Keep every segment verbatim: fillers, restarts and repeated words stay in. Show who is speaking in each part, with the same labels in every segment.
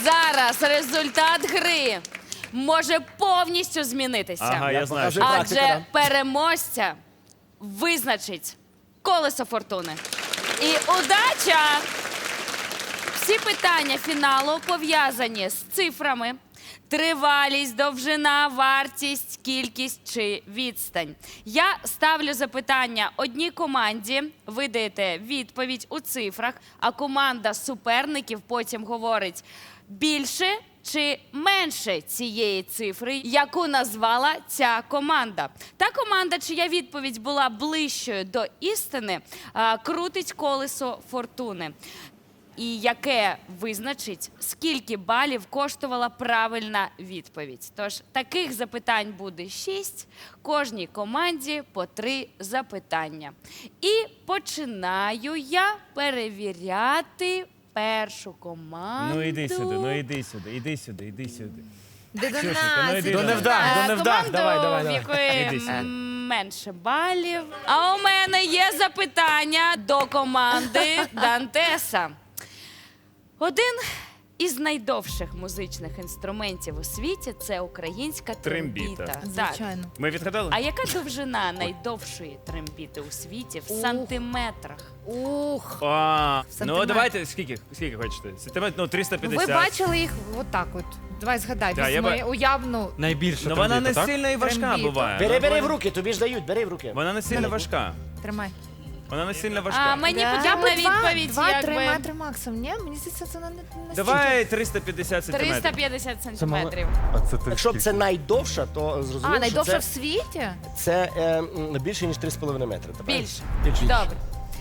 Speaker 1: Зараз результат гри може повністю змінитися.
Speaker 2: Ага, я знаю.
Speaker 3: Покажи практику,
Speaker 1: Адже
Speaker 3: да.
Speaker 1: переможця визначить колесо фортуни. І удача! Всі питання фіналу пов'язані з цифрами. Тривалість, довжина, вартість, кількість чи відстань. Я ставлю запитання одній команді, ви даєте відповідь у цифрах, а команда суперників потім говорить більше чи менше цієї цифри, яку назвала ця команда. Та команда, чия відповідь була ближчою до істини, а, крутить колесо фортуни. І яке визначить, скільки балів коштувала правильна відповідь. Тож таких запитань буде шість, кожній команді по три запитання. І починаю я перевіряти першу команду.
Speaker 2: Ну іди сюди, ну іди сюди, іди сюди, іди сюди.
Speaker 4: Де до
Speaker 2: Ксюшенька, ну
Speaker 4: нас.
Speaker 2: іди
Speaker 3: До
Speaker 2: до нас.
Speaker 3: невдах,
Speaker 1: Е,
Speaker 3: до невдах.
Speaker 1: команду,
Speaker 3: Давай, давай,
Speaker 1: в
Speaker 3: давай.
Speaker 1: якої
Speaker 2: Іди сюди.
Speaker 1: м, менше балів. А у мене є запитання до команди Дантеса. Один із найдовших музичних інструментів у світі – це українська трембіта.
Speaker 2: Трембіта.
Speaker 1: Так.
Speaker 4: Звичайно.
Speaker 2: Ми відгадали?
Speaker 1: А яка довжина найдовшої трембіти у світі в
Speaker 4: Ух.
Speaker 1: сантиметрах?
Speaker 4: Ух.
Speaker 2: А, ну
Speaker 4: Сантиметр.
Speaker 2: давайте, скільки, скільки хочете? Сантиметр, ну триста
Speaker 4: Ви
Speaker 2: п'ятдесят.
Speaker 4: бачили їх отак от. Давай згадай,
Speaker 2: Да, я
Speaker 4: візьми
Speaker 2: ба-
Speaker 4: уявну.
Speaker 5: Найбільше
Speaker 2: Ну вона не
Speaker 5: трембіта, так?
Speaker 2: сильно і важка
Speaker 4: Трембіта.
Speaker 2: буває.
Speaker 3: Бери, бери в
Speaker 2: Вона-
Speaker 3: руки, тобі ж дають, бери в руки.
Speaker 2: Вона не сильно важка.
Speaker 4: Тримай.
Speaker 2: Вона не сильно важка.
Speaker 1: А мені
Speaker 4: Я
Speaker 1: потрібна
Speaker 4: би два,
Speaker 1: відповідь,
Speaker 4: два, три
Speaker 1: якби
Speaker 4: метри максимум. Ні, мені здається, це не, не настільки.
Speaker 2: Давай триста п'ятдесят сантиметрів.
Speaker 1: триста п'ятдесят сантиметрів.
Speaker 5: А це ти
Speaker 3: Якщо б
Speaker 5: скільки?
Speaker 3: це найдовша, то зрозуміло,
Speaker 4: А, найдовша
Speaker 3: що
Speaker 4: в
Speaker 3: це,
Speaker 4: світі?
Speaker 3: це е, м, більше, ніж три з половиною метри. Та правильно?
Speaker 1: Більше.
Speaker 3: Більше.
Speaker 1: Добре.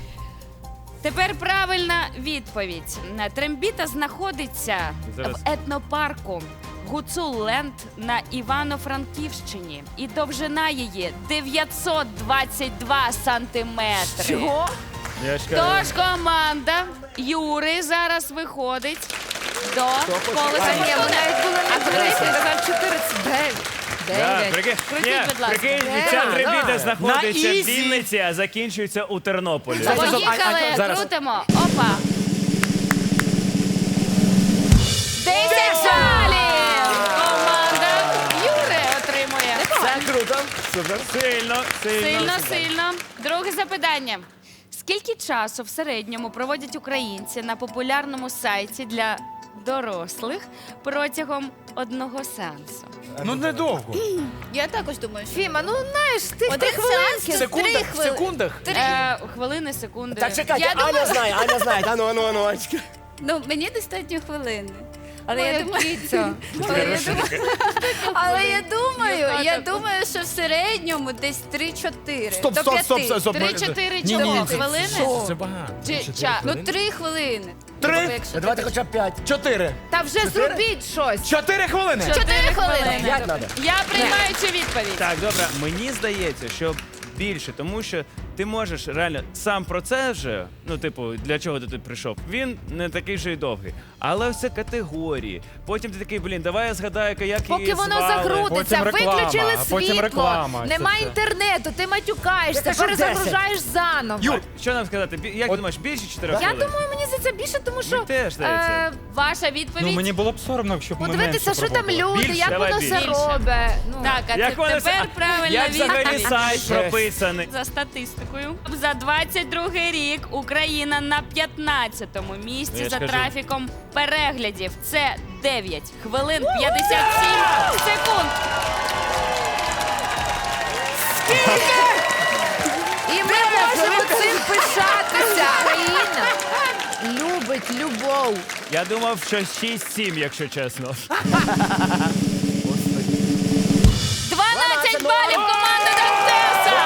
Speaker 1: Тепер правильна відповідь. Трембіта знаходиться
Speaker 2: Зараз.
Speaker 1: в етнопарку Гуцул-Ленд на Івано-Франківщині. І довжина її дев'ятсот двадцять два сантиметри.
Speaker 4: Чого?
Speaker 2: Я ж кажу.
Speaker 1: Тож команда Юри зараз виходить до
Speaker 3: хоче?
Speaker 1: колеса
Speaker 3: А,
Speaker 4: Ні, ви
Speaker 1: фортуни.
Speaker 4: навіть були
Speaker 1: А
Speaker 4: не
Speaker 1: куди
Speaker 4: близько,
Speaker 1: ти?
Speaker 4: казав чотиридцять дев'ять.
Speaker 2: Да,
Speaker 4: Дев'ять.
Speaker 2: прикинь,
Speaker 1: Крутіть,
Speaker 2: ні,
Speaker 1: будь ласка.
Speaker 2: прикинь,
Speaker 4: Да,
Speaker 2: ця
Speaker 4: да.
Speaker 2: трембіта знаходиться
Speaker 5: На
Speaker 2: в
Speaker 5: ізі.
Speaker 2: Вінниці, а закінчується у Тернополі.
Speaker 5: Стоп, стоп, а-
Speaker 1: Поїхали,
Speaker 5: а- зараз.
Speaker 1: крутимо. Опа. десять балів! Команда Юри отримує.
Speaker 3: Це круто. Супер.
Speaker 2: Сильно, сильно.
Speaker 1: Сильно, сильно. Друге запитання. Скільки часу в середньому проводять українці на популярному сайті для дорослих протягом одного сеансу?
Speaker 5: Ну недовго.
Speaker 6: Я також думаю, що
Speaker 4: Фіма, ну знаєш, ти в
Speaker 6: один
Speaker 4: три хвилинки.
Speaker 6: сеанс
Speaker 5: В секундах, в секундах.
Speaker 1: Е, хвилини, секунди.
Speaker 3: Так, чекайте,
Speaker 6: Я
Speaker 3: Аня
Speaker 6: думаю-
Speaker 3: знає, Аня знає. Ану, ану, ану, Анечка.
Speaker 6: ну мені достатньо хвилини. Але я
Speaker 4: Моя
Speaker 6: думаю,
Speaker 4: кіця.
Speaker 6: але я думаю, але я думаю, я
Speaker 1: Дівчата.
Speaker 6: думаю, що в середньому десь три-чотири.
Speaker 5: Стоп,
Speaker 6: до
Speaker 5: стоп,
Speaker 6: п'яти.
Speaker 5: стоп, стоп, стоп.
Speaker 1: Три-чотири
Speaker 5: Ні, ні, ні, це-
Speaker 1: хвилини?
Speaker 5: Це багато.
Speaker 1: Чи час?
Speaker 6: Ну три хвилини.
Speaker 5: Три?
Speaker 6: Тобто, якщо
Speaker 3: Давайте
Speaker 6: ти-
Speaker 3: хоча б п'ять.
Speaker 5: Чотири.
Speaker 4: Та вже зробіть щось.
Speaker 5: Чотири хвилини.
Speaker 6: Чотири хвилини.
Speaker 3: П'ять треба.
Speaker 1: Я приймаю цю відповідь.
Speaker 2: Так, добре, мені здається, що більше, тому що ти можеш реально сам процес же, ну, типу, для чого ти тут прийшов, він не такий вже й довгий. Але все категорії. Потім ти такий, блін, давай я згадаю, як
Speaker 4: Поки
Speaker 2: її
Speaker 4: воно
Speaker 2: звали.
Speaker 4: закрутиться,
Speaker 5: Потім реклама,
Speaker 4: виключили
Speaker 5: а потім
Speaker 4: світло,
Speaker 5: реклама, це
Speaker 4: нема
Speaker 5: все.
Speaker 4: інтернету, ти матюкаєшся,
Speaker 3: Я кажу,
Speaker 4: перезагружаєш заново.
Speaker 2: Юр, що нам сказати? Бі- Як ти думаєш, більше чотирьох
Speaker 4: Я
Speaker 2: хвилин?
Speaker 4: думаю, мені за це більше, тому що
Speaker 2: Мені теж здається.
Speaker 4: е,
Speaker 1: Ваша відповідь?
Speaker 5: Ну мені було б соромно, якщо б ми
Speaker 4: подивитися,
Speaker 5: менше
Speaker 4: що там
Speaker 5: пробували.
Speaker 4: люди,
Speaker 2: Більше,
Speaker 4: як
Speaker 2: давай
Speaker 4: воно все
Speaker 2: більше.
Speaker 4: робить. Ну.
Speaker 1: Так, а
Speaker 2: Як
Speaker 1: це
Speaker 2: воно
Speaker 1: тепер
Speaker 2: все-
Speaker 1: правильна
Speaker 2: Як взагалі
Speaker 1: відповідь.
Speaker 2: сайт прописаний?
Speaker 1: За статистикою, за двадцять другий рік Україна на п'ятнадцятому місці
Speaker 2: Я ж
Speaker 1: за
Speaker 2: кажу.
Speaker 1: трафіком переглядів. Це дев'ять хвилин п'ятдесят сім секунд.
Speaker 4: І ми можемо цим пишатися. Україна любить любов.
Speaker 2: Я думав, що шість-сім, якщо чесно.
Speaker 1: дванадцять балів команда Дантеса!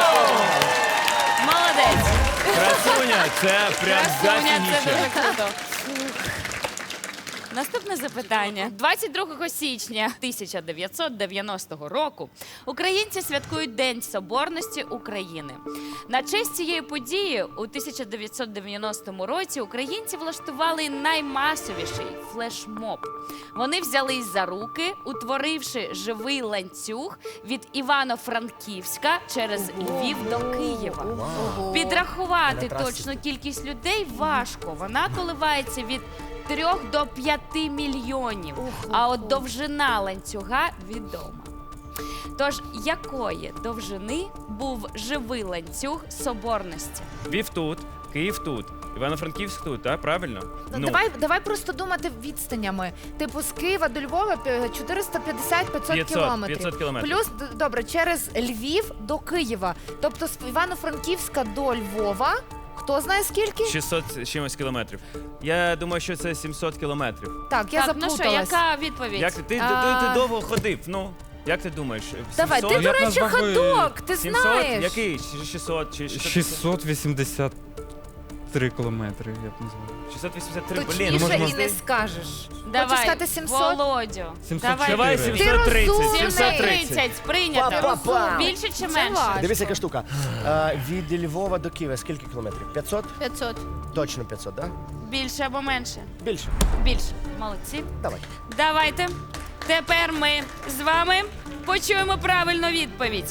Speaker 1: Молодець!
Speaker 2: Красуня, це прям
Speaker 1: Красуня, це
Speaker 2: зафігічно.
Speaker 1: дуже круто. Наступне запитання. двадцять другого січня тисяча дев'ятсот дев'яностого року українці святкують День Соборності України. На честь цієї події у тисяча дев'ятсот дев'яностому році українці влаштували наймасовіший флешмоб. Вони взялись за руки, утворивши живий ланцюг від Івано-Франківська через Львів до Києва. Підрахувати точну кількість людей важко. Вона коливається від трьох до п'яти мільйонів. А от довжина ланцюга відома. Тож, якої довжини був живий ланцюг соборності?
Speaker 2: Львів тут, Київ тут, Івано-Франківськ тут, так? Правильно?
Speaker 4: Ну, давай, давай просто думати відстанями. Типу, з Києва до Львова пі- чотириста п'ятдесят - п'ятсот
Speaker 2: п'ятсот,
Speaker 4: кілометрів.
Speaker 2: п'ятсот кілометрів.
Speaker 4: Плюс, д- добре, через Львів до Києва. Тобто з Івано-Франківська до Львова, хто знає скільки?
Speaker 2: шістсот з чимось кілометрів. Я думаю, що це сімсот кілометрів.
Speaker 4: Так, я
Speaker 1: так, ну що,
Speaker 4: заплуталась.
Speaker 1: яка відповідь?
Speaker 2: Як ти, ти,
Speaker 4: А.
Speaker 2: ти, ти довго ходив, ну, як ти думаєш?
Speaker 4: Давай, ти,
Speaker 2: сімсот?
Speaker 4: до
Speaker 5: Як
Speaker 4: речі,
Speaker 5: нас вагою?
Speaker 4: ходок, ти
Speaker 2: сімсот?
Speaker 4: знаєш.
Speaker 2: Який? Чи шістсот? Чи шістсот?
Speaker 5: шістсот вісімдесят три кілометри, я б назвав.
Speaker 2: шістсот вісімдесят три, блін.
Speaker 4: Точніше
Speaker 5: ну, можемо-
Speaker 4: і не скажеш.
Speaker 1: Давай,
Speaker 4: Хочеш сказати сімсот?
Speaker 1: Володю.
Speaker 5: сімсот
Speaker 1: Давай.
Speaker 2: Давай
Speaker 5: Ти
Speaker 2: сімсот тридцять,
Speaker 4: розумний.
Speaker 2: сімсот тридцять.
Speaker 1: сімсот тридцять, прийнято.
Speaker 3: Па-па-па.
Speaker 1: Більше чи
Speaker 4: Це
Speaker 1: менше?
Speaker 4: важко.
Speaker 3: Дивись, яка штука. Е, від Львова до Києва скільки кілометрів? п'ятсот?
Speaker 6: п'ятсот.
Speaker 3: Точно п'ятсот, так?
Speaker 1: Більше або менше?
Speaker 3: Більше.
Speaker 1: Більше. Молодці.
Speaker 3: Давай.
Speaker 1: Давайте. Тепер ми з вами почуємо правильну відповідь.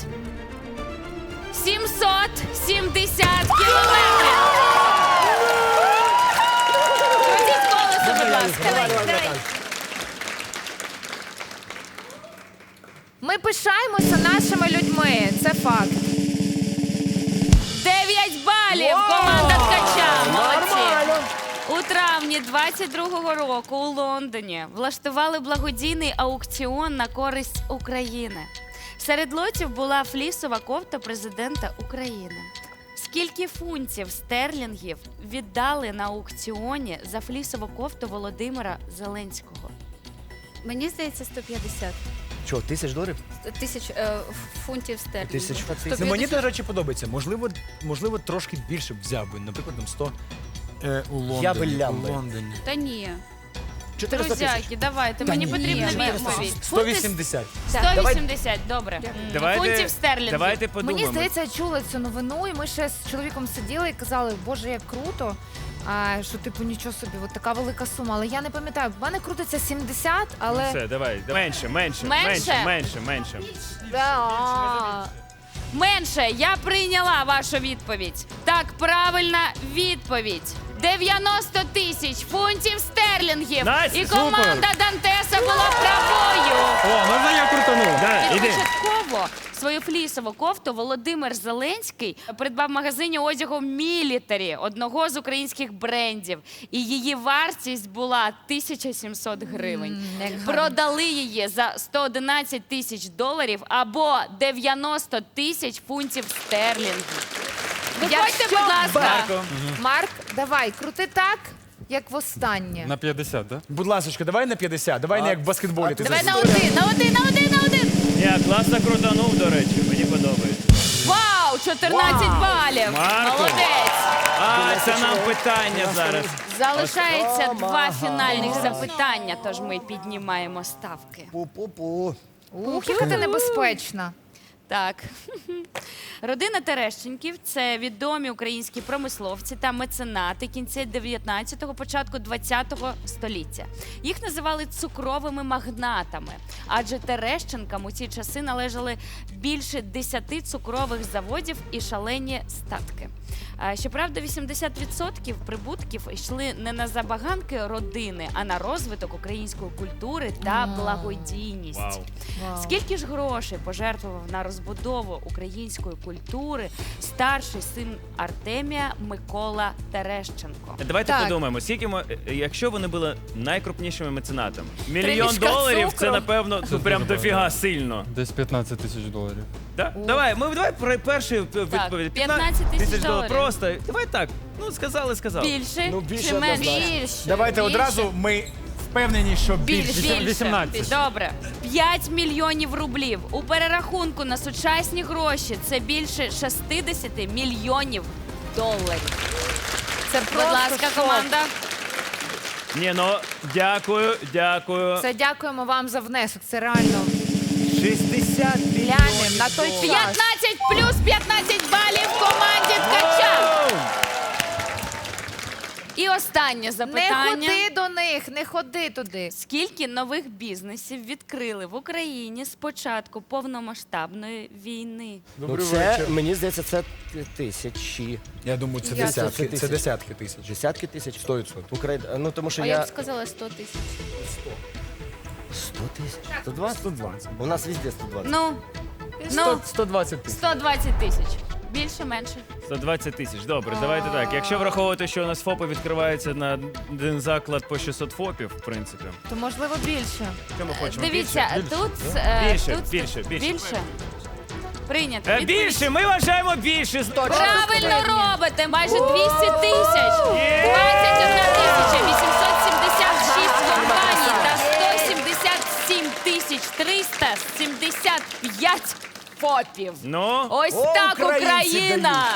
Speaker 1: сімсот сімдесят кілометрів. Крутіть колесо, будь ласка.
Speaker 3: Давай, давай, давай.
Speaker 4: Ми пишаємося нашими людьми, це факт.
Speaker 1: дев'ять балів. Команда Ткача. Молодці.
Speaker 3: Нормально.
Speaker 1: У травні двадцять другого року у Лондоні влаштували благодійний аукціон на користь України. Серед лотів була флісова кофта президента України. Скільки фунтів стерлінгів віддали на аукціоні за флісову кофту Володимира Зеленського?
Speaker 6: Мені здається, сто п'ятдесят
Speaker 3: Що, тисяч доларів?
Speaker 6: тисяч е, фунтів стерлінгів.
Speaker 3: Тисяч фунтів.
Speaker 7: Ну, мені, до речі, подобається. Можливо, можливо, трошки більше б взяв би. Наприклад, там сто е, у Лондоні.
Speaker 3: Я би лям
Speaker 7: у
Speaker 3: би.
Speaker 7: Лондоні.
Speaker 6: Та ні.
Speaker 3: чотириста тисяч.
Speaker 1: Друзяки, давайте,
Speaker 7: Та
Speaker 1: мені
Speaker 7: ні,
Speaker 1: потрібна
Speaker 6: ні,
Speaker 1: відповідь.
Speaker 7: сто вісімдесят.
Speaker 1: сто вісімдесят, добре. М,
Speaker 2: Давайте,
Speaker 1: Фунтів стерлінгів.
Speaker 2: давайте подумаємо.
Speaker 4: Мені здається, я чула цю новину, і ми ще з чоловіком сиділи і казали, боже, як круто. А, що, типу, нічого собі, от така велика сума. Але я не пам'ятаю, в мене крутиться сімдесят, але.
Speaker 2: Все, давай. Менше, менше,
Speaker 1: Менше?
Speaker 2: менше, менше, менше.
Speaker 4: Да.
Speaker 1: Менше, я прийняла вашу відповідь. Так, правильна відповідь. дев'яносто тисяч фунтів стерлінгів.
Speaker 2: Настя,
Speaker 1: І
Speaker 2: супер.
Speaker 1: команда Дантеса була правою.
Speaker 5: О, можна я крутану?
Speaker 2: Да, іди.
Speaker 1: Початково свою флісову кофту Володимир Зеленський придбав в магазині одягу Мілітарі, одного з українських брендів. І її вартість була тисяча сімсот гривень.
Speaker 4: М, як гарно.
Speaker 1: Продали її за сто одинадцять тисяч доларів або дев'яносто тисяч фунтів стерлінгів. Виходьте,
Speaker 4: Якщо
Speaker 1: будь ласка.
Speaker 2: Марко.
Speaker 4: Марк, давай, крути так, як востаннє.
Speaker 5: На п'ятдесят, так?
Speaker 7: Будь ласка, давай на п'ятдесят. Давай не як в баскетболі. Ти
Speaker 1: Давай
Speaker 7: зараз-
Speaker 1: на один, на один, на один, на один.
Speaker 2: Я класно крутанув, до речі, мені подобається.
Speaker 1: Вау, чотирнадцять балів.
Speaker 2: Марко.
Speaker 1: Молодець.
Speaker 2: А, це нам питання зараз.
Speaker 1: Залишається два
Speaker 3: Ага.
Speaker 1: фінальних запитання, тож ми піднімаємо ставки.
Speaker 3: Пу-пу-пу.
Speaker 4: Ух, яка ти небезпечна.
Speaker 1: Так. Родина Терещенків – це відомі українські промисловці та меценати кінця дев'ятнадцятого, початку двадцятого століття. Їх називали цукровими магнатами, адже Терещенкам у ці часи належали більше десяти цукрових заводів і шалені статки. А, Щоправда, вісімдесят відсотків прибутків йшли не на забаганки родини, а на розвиток української культури та благодійність.
Speaker 2: Вау.
Speaker 4: Вау.
Speaker 1: Скільки ж грошей пожертвував на розбудову української культури старший син Артемія Микола Терещенко?
Speaker 2: Давайте
Speaker 4: Так.
Speaker 2: подумаємо, скільки ми, якщо вони були найкрупнішими меценатами. Мільйон
Speaker 1: мішка
Speaker 2: доларів
Speaker 1: цукру.
Speaker 2: це, напевно,
Speaker 5: Це
Speaker 2: ну, прям
Speaker 5: дуже
Speaker 2: дофіга
Speaker 5: багато.
Speaker 2: сильно.
Speaker 5: Десь п'ятнадцять тисяч доларів.
Speaker 2: Да? Давай, ми давай про перший відповідь.
Speaker 1: п'ятнадцять тисяч доларів.
Speaker 2: Просто. Давай так. Ну, сказали, сказали.
Speaker 1: Більше
Speaker 3: Ну, більше
Speaker 1: чи менше?
Speaker 3: однозначно.
Speaker 1: Більше.
Speaker 7: Давайте
Speaker 1: Більше.
Speaker 7: одразу ми впевнені, що
Speaker 1: Більше.
Speaker 7: більше.
Speaker 1: Більше.
Speaker 5: вісімнадцять.
Speaker 1: Добре. п'ять мільйонів рублів. У перерахунку на сучасні гроші це більше шістдесят мільйонів доларів.
Speaker 4: Це
Speaker 1: Будь
Speaker 4: просто
Speaker 1: ласка,
Speaker 4: шок.
Speaker 1: команда.
Speaker 2: Ні, ну, дякую, дякую.
Speaker 4: Це дякуємо вам за внесок. Це реально
Speaker 2: шістдесят
Speaker 4: глянем на той час.
Speaker 1: п'ятнадцять плюс п'ятнадцять балів команді Ткача. І І останнє
Speaker 4: Не
Speaker 1: запитання.
Speaker 4: ходи до них, не ходи туди.
Speaker 1: Скільки нових бізнесів відкрили в Україні з початку повномасштабної війни?
Speaker 3: Ну,
Speaker 7: Добрий
Speaker 3: це,
Speaker 7: вечір.
Speaker 3: мені здається, це тисячі.
Speaker 7: Я думаю, це
Speaker 4: Я-
Speaker 7: десятки.
Speaker 3: Це
Speaker 7: Це
Speaker 3: тисяч.
Speaker 7: десятки тисяч.
Speaker 3: Десятки тисяч?
Speaker 7: Сто відсотків.
Speaker 3: Україна, ну тому що
Speaker 6: А
Speaker 3: я...
Speaker 6: я б сказала сто тисяч.
Speaker 3: сто тисяч? сто двадцять?
Speaker 7: сто двадцять.
Speaker 3: У нас везде сто двадцять.
Speaker 1: Ну,
Speaker 7: Сто-
Speaker 1: ну
Speaker 7: сто двадцять тисяч.
Speaker 1: сто двадцять тисяч. Більше, менше.
Speaker 2: сто двадцять тисяч. Добре, давайте так. Якщо враховувати, що у нас ФОПи відкриваються на один заклад по шістсот ФОПів, в принципі.
Speaker 4: То можливо більше.
Speaker 2: Що ми хочемо?
Speaker 1: Дивіться,
Speaker 2: Більше?
Speaker 1: тут, е,
Speaker 2: Більше,
Speaker 1: тут
Speaker 2: більше, більше.
Speaker 1: більше. Прийнято.
Speaker 2: Е,
Speaker 1: Відповідь.
Speaker 2: Більше, ми вважаємо більше.
Speaker 1: Правильно робите, майже двісті тисяч. двадцять одна тисяча вісімсот сімдесят шість компаній та сто сімдесят сім тисяч триста сімдесят п'ять ФОПів.
Speaker 2: Ну,
Speaker 1: Ось
Speaker 3: О,
Speaker 1: так
Speaker 3: українці
Speaker 1: Україна.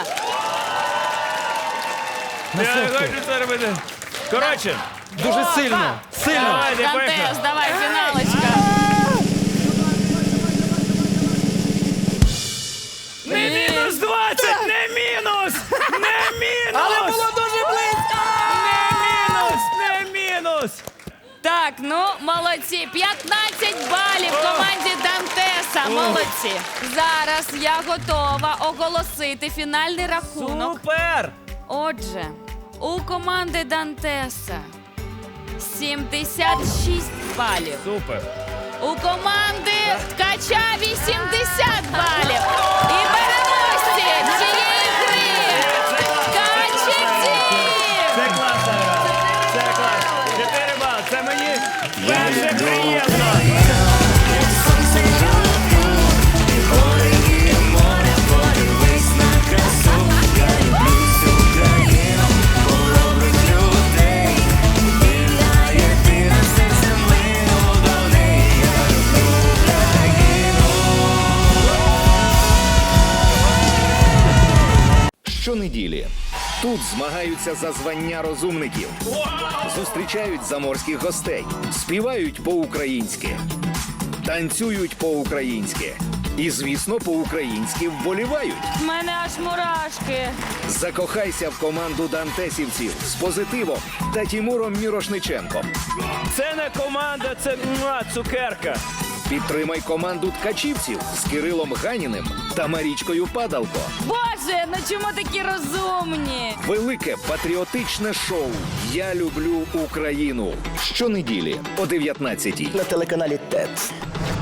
Speaker 2: я не хочу це робити. Коротше,
Speaker 5: Дуже сильно. Сильно.
Speaker 2: давайте,
Speaker 1: Дантес,
Speaker 2: поїхали.
Speaker 1: давай, фіналочка.
Speaker 2: Не мінус двадцять, не мінус! Не мінус! Але було дуже близько! Не мінус, не мінус!
Speaker 1: Так, ну молодці. п'ятнадцять балів команді Дантеса. Молодці. Зараз я готова оголосити фінальний рахунок.
Speaker 2: Супер!
Speaker 1: Отже, у команди Дантеса сімдесят шість балів.
Speaker 2: Супер!
Speaker 1: У команди Ткача вісімдесят балів. І переможці цієї гри Ткачі
Speaker 2: Це класна гра! Це клас! Чотири бали! Це мені дуже приємно!
Speaker 8: Щонеділі тут змагаються за звання розумників, зустрічають заморських гостей, співають по-українськи, танцюють по-українськи і, звісно, по-українськи вболівають.
Speaker 1: В мене аж мурашки.
Speaker 8: Закохайся в команду дантесівців з позитивом та Тімуром Мірошниченком.
Speaker 2: Це не команда, це муа, цукерка!
Speaker 8: Підтримай команду ткачівців з Кирилом Ганіним та Марічкою Падалко.
Speaker 1: Боже, ну чому такі розумні?
Speaker 8: Велике патріотичне шоу «Я люблю Україну» щонеділі о дев'ятнадцятій.
Speaker 3: На телеканалі ТЕТ.